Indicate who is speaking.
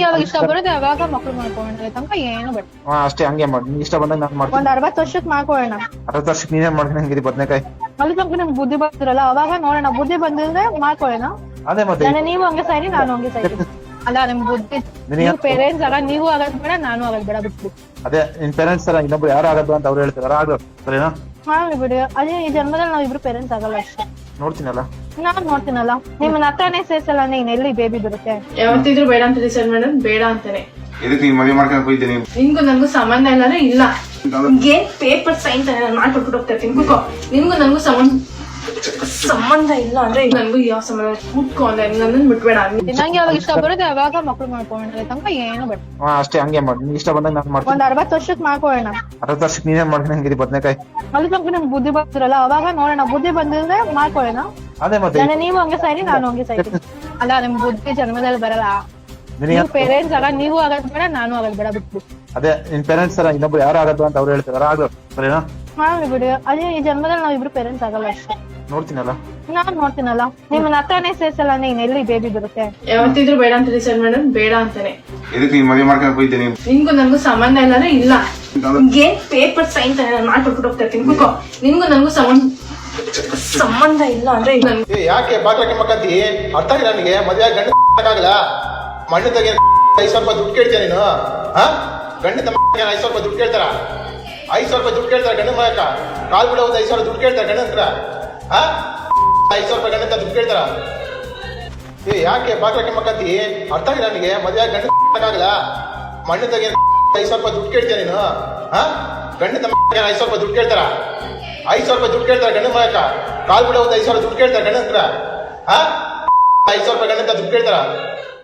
Speaker 1: ಯಾವಾಗ ಇಷ್ಟ ಬರುತ್ತೆ ಅವಾಗ ಮಕ್ಳು ಮಾಡ್ಕೊಳ್ಳೋಣ ತನಕ ಏನು ಬೇಡ.
Speaker 2: ಅಷ್ಟೇ, ಹಂಗೆ ಮಾಡಿ. ನಿಂಗೆ ಇಷ್ಟ ಬಂದಾಗ ನಾನು ಮಾಡ್ತೀನಿ.
Speaker 1: ಒಂದ್ 60 ವರ್ಷಕ್ಕೆ ಮಾಡ್ಕೊಳ್ಳೋಣ.
Speaker 2: 60 ವರ್ಷಕ್ಕೆ ನೀನೇ ಮಾಡ್ತೀನಿ ಹಂಗಿರಿ ಬದ್ನೆಕಾಯಿ.
Speaker 1: ಅಲ್ಲಿ ತನಕ ನಿಮ್ಗೆ ಬುದ್ಧಿ ಬರ್ತಿರಲ್ಲ ಅವಾಗ ನೋಡೋಣ. ಬುದ್ಧಿ ಬಂದಿದ್ರೆ ಮಾಡ್ಕೊಳ್ಳೋಣ.
Speaker 2: ಅದೇ ಮತ್ತೆ
Speaker 1: ನೀವು ಹಂಗೆ ಸರಿ, ನಾನು ಹಂಗೆ ಸರಿ. ಅಲ್ಲ ನಿಮ್ ಬುದ್ಧಿ, ನೀವು ಪೇರೆಂಟ್ಸ್ ಆಗ ನೀವು ಆಗೋದ್ ಬೇಡ, ನಾನು ಆಗೋದ್ ಬೇಡ, ಬಿಟ್ಬಿಡಿ.
Speaker 2: ಅದೇ ನಿನ್ ಪೇರೆಂಟ್ಸ್ ತರ ಇನ್ನೊಬ್ರು ಯಾರು ಆಗೋದು ಅಂತ ಅವ್ರು ಹೇಳ್ತಾರೆ. ಆಗ ಸರಿನಾ?
Speaker 1: ಮಾಡ್ಲಿ ಬಿಡಿ. ಅದೇ ಈ ಜನ್ಮದಲ್ಲಿ ನಾವ್ ಇಬ್ರು ಪೇರೆಂಟ್ಸ್ ಆಗಲ್ಲ ಅಷ್ಟೇ.
Speaker 2: ನೋಡ್ತೀನಲ್ಲ,
Speaker 1: ನಾನ್ ನೋಡ್ತೀನಲ್ಲ. ನಿಮ್ಮನ್ನ ಹತ್ರನೇ ಸೇರ್ಸಲ್ಲ ಅಂದ್ರೆ ಇನ್ ಎಲ್ಲಿ ಬೇಬಿ ಬರುತ್ತೆ?
Speaker 3: ಯಾವತ್ತಿದ್ರು ಬೇಡ ಅಂತ ಡಿಸೈಡ್ ಮಾಡೋದು ಬೇಡ ಅಂತಾನೆ.
Speaker 4: ಇದಕ್ಕೆ ನೀನ್ ಮದುವೆ ಮಾಡ್ಕೊಂಡು ಹೋಗ್ತೀನಿ.
Speaker 3: ನಿನ್ಗೂ ನನ್ಗೂ ಸಂಬಂಧ ಇಲ್ಲಾಂದ್ರೆ ಇಲ್ಲ. ಏನ್ ಪೇಪರ್ ಸೈನ್ ತಾನೆ ನಾನು ಮಾಡ್ಕೊಟ್ಬಿಟ್ಟು ಹೋಗ್ತಾ ಇರ್ತೀನಿ. ಕೂತ್ಕೋ. ನಿನ್ಗೂ ನನ್ಗೂ ಸಂಬಂಧ ಇಲ್ಲ ಅಂದ್ರೆ ನನ್ಗೂ ಯಾವ ಸಂಬಂಧ? ಕೂತ್ಕೋ ಅಂದ್ರೆ ನನ್ನನ್ನು ಬಿಟ್ಬೇಡ.
Speaker 1: ನಂಗೆ ಯಾವಾಗ ಇಷ್ಟ ಬರುತ್ತೆ ಅವಾಗ ಮಕ್ಳು ಮಾಡ್ಕೊಳ್ಳೋಣ ತನಕ ಏನು ಬೇಡ.
Speaker 2: ಅಷ್ಟೇ, ಹಂಗೆ ಮಾಡಿ. ನಿಂಗೆ ಇಷ್ಟ ಬಂದಾಗ ನಾನು ಮಾಡ್ತೀನಿ.
Speaker 1: ಒಂದ್ 60 ವರ್ಷಕ್ಕೆ ಮಾಡ್ಕೊಳ್ಳೋಣ.
Speaker 2: 60 ವರ್ಷಕ್ಕೆ ನೀನೇ ಮಾಡ್ತೀನಿ ಹಂಗಿರಿ ಬದ್ನೆಕಾಯಿ.
Speaker 1: ಅಲ್ಲಿ ತನಕ ನಿಮ್ಗೆ ಬುದ್ಧಿ ಬರ್ತಿರಲ್ಲ ಅವಾಗ ನೋಡೋಣ. ಬುದ್ಧಿ ಬಂದಿದ್ರೆ ಮಾಡ್ಕೊಳ್ಳೋಣ.
Speaker 2: ಅದೇ ಮತ್ತೆ
Speaker 1: ನೀವು ಹಂಗೆ ಸರಿ, ನಾನು ಹಂಗೆ ಸರಿ. ಅಲ್ಲ ನಿಮ್ ಬುದ್ಧಿ ಜನ್ಮದಲ್ಲಿ ಬರಲ್ಲ. ನೀವು ಪೇರೆಂಟ್ಸ್ ಆಗ ನೀವು ಆಗೋದ್ ಬೇಡ, ನಾನು ಆಗೋದ್ ಬೇಡ, ಬಿಟ್ಬಿಡಿ.
Speaker 2: ಅದೇ ನಿನ್ ಪೇರೆಂಟ್ಸ್ ತರ ಇನ್ನೊಬ್ರು ಯಾರು ಆಗೋದು ಅಂತ ಅವ್ರು ಹೇಳ್ತಾರೆ. ಆಗ ಸರಿನಾ?
Speaker 1: ಮಾಡ್ಲಿ ಬಿಡಿ. ಅದೇ ಈ ಜನ್ಮದಲ್ಲಿ ನಾವ್ ಇಬ್ರು ಪೇರೆಂಟ್ಸ್ ಆಗಲ್ಲ ಅಷ್ಟೇ.
Speaker 2: ನೋಡ್ತೀನಲ್ಲ,
Speaker 1: ನಾನ್ ನೋಡ್ತೀನಲ್ಲ. ನಿಮ್ಮನ್ನ ಹತ್ರನೇ ಸೇರ್ಸಲ್ಲ ಅಂದ್ರೆ ಇನ್ ಎಲ್ಲಿ ಬೇಬಿ ಬರುತ್ತೆ?
Speaker 3: ಯಾವತ್ತಿದ್ರು ಬೇಡ ಅಂತ ಡಿಸೈಡ್ ಮಾಡೋದು ಬೇಡ ಅಂತಾನೆ.
Speaker 4: ಇದಕ್ಕೆ ನೀನ್ ಮದುವೆ ಮಾಡ್ಕೊಂಡು ಹೋಗ್ತೀನಿ.
Speaker 3: ನಿನ್ಗೂ ನನ್ಗೂ ಸಂಬಂಧ ಇಲ್ಲಾಂದ್ರೆ ಇಲ್ಲ. ಏನ್ ಪೇಪರ್ ಸೈನ್ ತಾನೆ ನಾನು ಮಾಡ್ಕೊಟ್ಬಿಟ್ಟು ಹೋಗ್ತಾ ಇರ್ತೀನಿ. ಕೂತ್ಕೋ. ನಿನ್ಗೂ ನನ್ಗೂ ಸಂಬಂಧ ಇಲ್ಲ ಅಂದ್ರೆ
Speaker 5: ಯಾಕೆ ಬಾಗ್ಲಕ್ಕೆ ಮಕ್ಕಂತಿ? ಅರ್ಥ ಆಗಿಲ್ಲ ನನಗೆ. ಮದುವೆ ಗಂಡ ಆಗಲ್ಲ. ಮಣ್ಣು ತೆಗೆ 5,000 ರೂಪಾಯಿ ದುಡ್ಡು ಕೇಳ್ತೀಯ ನೀನು? ಗಂಡದ 5,000 ರೂಪಾಯಿ ದುಡ್ಡು ಕೇಳ್ತಾರ? 5,000 ರೂಪಾಯಿ ದುಡ್ಡು ಕೇಳ್ತಾರೆ ಗಂಡ ಮಕ್ಕ. ಕಾಲ್ ಬಿಡ ಒಂದು 5,000 ದುಡ್ಡು ಕೇಳ್ತಾರೆ ಗಂಡ ಹತ್ರ. 5,000 ರೂಪಾಯಿ ಗಂಡ ದುಡ್ಡು ಕೇಳ್ತಾರ? ಯಾಕೆ ಬಾಗ್ಲಕ್ಕೆ ಮಕ್ಕಂತಿ? ಅರ್ಥ ಆಗಿಲ್ಲ ನನಗೆ. ಮದುವೆ ಗಂಡ ಆಗಲ್ಲ. ಮಣ್ಣು ತೆಗೆ 5,000 ರೂಪಾಯಿ ದುಡ್ಡು ಕೇಳ್ತೀಯ ನೀನು? ಗಂಡದ 5,000 ರೂಪಾಯಿ ದುಡ್ಡು ಕೇಳ್ತಾರ? 5,000 ರೂಪಾಯಿ ದುಡ್ಡು ಕೇಳ್ತಾರೆ ಗಂಡ ಮಕ್ಕ. ಕಾಲ್ ಬಿಡ ಒಂದು 5,000 ದುಡ್ಡು ಕೇಳ್ತಾರೆ ಗಂಡ ಹತ್ರ. 5,000 ರೂಪಾಯಿ ಗಂಡ ದುಡ್ಡು ಕೇಳ್ತಾರ?